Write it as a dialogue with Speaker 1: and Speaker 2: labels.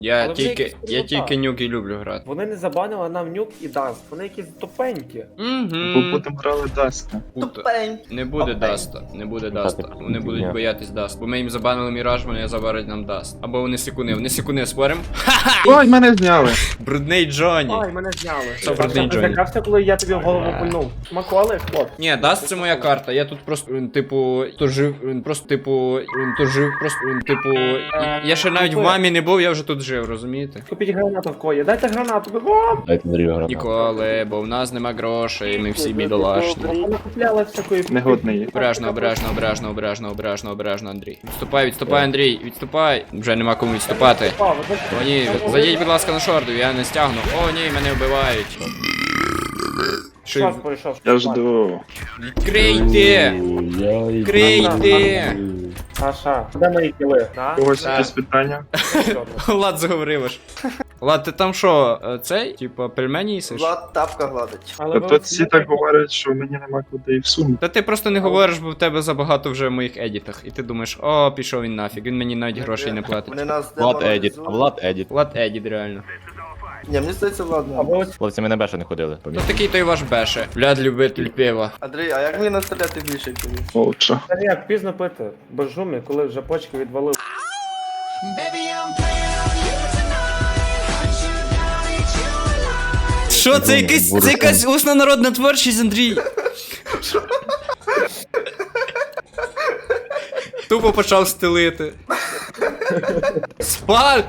Speaker 1: Я
Speaker 2: Але вже якісь
Speaker 1: тільки
Speaker 2: крута.
Speaker 1: нюк і люблю грати.
Speaker 2: Вони не забанили нам нюк і даст. Вони якісь тупенькі.
Speaker 3: Бо
Speaker 1: Угу.
Speaker 3: потім грали Даска.
Speaker 1: Не буде
Speaker 4: Тупень.
Speaker 1: Даста, не буде Даста. Вони будуть боятись Даст. Бо ми їм забанили Міраж, вони забарять нам Даст. Або вони секуни, спорим?
Speaker 3: Ой, мене зняли.
Speaker 1: Брудний Джонні.
Speaker 2: Ай, мене зняли.
Speaker 1: Це брудний
Speaker 2: Ти
Speaker 1: Джонні.
Speaker 2: злякався, коли я тобі в голову пульнув. Маколи, хлоп.
Speaker 1: Ні, Даст це моя карта. Я тут просто, типу, тужив, Я ще навіть в мамі не був, я вже тут жив, розумієте?
Speaker 2: Купіть гранату в кої. Дайте гранату, бігом!
Speaker 4: Дайте Андрію гранату.
Speaker 1: Ніколи, бо в нас нема грошей, ми всі бідолашні.
Speaker 2: Вони купляли всякої...
Speaker 3: Негодний.
Speaker 1: Обережно, Андрій. Відступай, Андрій, відступай. Вже нема кому відступати. О, ні, зайдіть, будь ласка, на шорду, я не стягну. О, ні, мене вбивають.
Speaker 2: Час пройшов.
Speaker 3: Я жду.
Speaker 1: Відкрийте! Відкрийте!
Speaker 2: Саша, де мої кіли?
Speaker 3: Когось
Speaker 1: Да.
Speaker 3: якісь питання?
Speaker 1: Влад заговорив аж. Влад, ти там що, цей? Типа пельмені їсиш?
Speaker 4: Влад тапка гладить.
Speaker 3: Тобто всі так говорять, що мені нема куди і всунути.
Speaker 1: Та ти просто не говориш, бо в тебе забагато вже в моїх едітах. І ти думаєш, о, пішов він нафіг, він мені навіть грошей не платить.
Speaker 4: Вони нас
Speaker 5: Влад Едіт,
Speaker 4: деморалізують.
Speaker 5: а Влад Едіт.
Speaker 1: Влад едіт, реально.
Speaker 4: Ні, мені здається, Влад.
Speaker 2: А ви ось
Speaker 5: Хлопці, ми на беша не ходили.
Speaker 1: Ну такий той ваш беше. Влад любитель пива.
Speaker 4: Андрій, а як мені настріляти більше тобі?
Speaker 3: Молодша.
Speaker 2: як пізно пити, без жумі, коли вже почки відвалили.
Speaker 1: Що, це якась усна народна творчість, Андрій? Тупо почав стелити. Спаль!